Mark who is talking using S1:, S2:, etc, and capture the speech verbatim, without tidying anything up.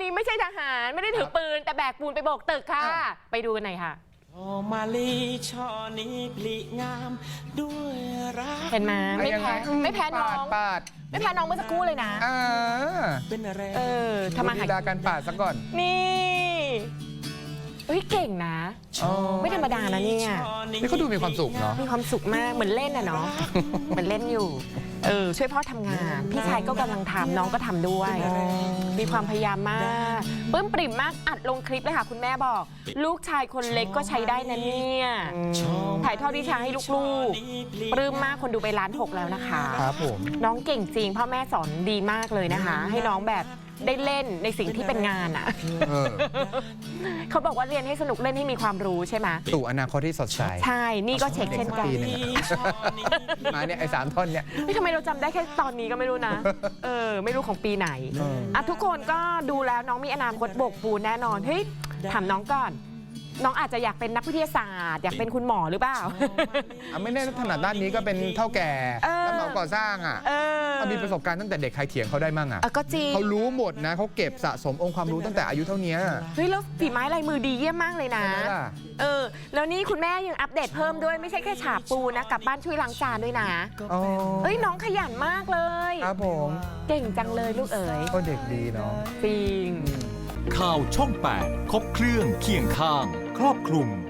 S1: ไม่ใช่ทหารไม่ได้ถือปืนแต่แบกปูนไปโบกตึกค่ะไปดูกันหน่อยค่ะ
S2: มาลีช่อนี้พลิงามด้วยรัก
S1: เห็นไหมไม่แพ้ไม่แพ้น้อง
S3: ปาด
S1: ไม่แพ้น้องเมื่อสักครู่เลยนะ
S2: เป็นอะไร
S1: เออทำมาหา
S3: ลีลาการปาดซะก่อน
S1: นี่เฮ้ยเก่งนะไม่ธรรมดานะเนี่ย
S3: นี่เขาดูมีความสุขเนาะ
S1: มีความสุขมากเหมือนเล่นอะเนาะเหมือนเล่นอยู่เออช่วยพ่อทำงานพี่ชายก็กำลังทำน้องก็ทำด้วยมีความพยายามมากปลื้มปริ่มมากอัดลงคลิปเลยค่ะคุณแม่บอกลูกชายคนเล็กก็ใช้ได้นะเนี่ยถ่ายทอดวิชาให้ลูกๆปลื้มมากคนดูไปล้านหกแล้วนะคะ
S3: ครับผม
S1: น้องเก่งจริงพ่อแม่สอนดีมากเลยนะคะให้น้องแบบได้เล่นในสิ่งที่เป็นงานอ่ะเขาบอกว่าเรียนให้สนุกเล่นให้มีความรู้ใช่ไหม
S3: สู่อนาคตที่สดใส
S1: ใช่นี่ก็เช็คเช่นกัน
S3: มาเนี่ยไอ้สามท่อนเนี่ย
S1: ไม่ทำไมเราจำได้แค่ตอนนี้ก็ไม่รู้นะเออไม่รู้ของปีไหนอ่ะทุกคนก็ดูแล้วน้องมีอนาคตโบกปูนแน่นอนเฮ้ยถามน้องก่อนน้องอาจจะอยากเป็นนักวิทยาศาสตร์อยากเป็นคุณหมอหรือเปล่า
S3: ไม่แน่ถนัดด้านนี้ก็เป็นเท่าแก่รับเหมาก่อสร้างอ่ะเขามีประสบการณ์ตั้งแต่เด็กใครเถียงเขาได้มั่งอ่ะ
S1: ก็จริง
S3: เขารู้หมดนะเขาเก็บสะสมองค์ความรู้ตั้งแต่อายุเท่านี้
S1: เฮ้ยแล้วฝีไม้ลายมือดีเยี่ยมมากเลยนะเออแล้วนี่คุณแม่ยังอัปเดตเพิ่มด้วยไม่ใช่แค่ฉาบปูนะกลับบ้านช่วยล้างจานด้วยนะเอ้ยน้องขยันมากเลย
S3: ครับผม
S1: เก่งจังเลยลูกเอ๋ย
S3: ก็เด็กดีเนาะ
S1: จริง
S4: ข่าวช่องแปดครบเครื่องเคียงข้างครอบคลุม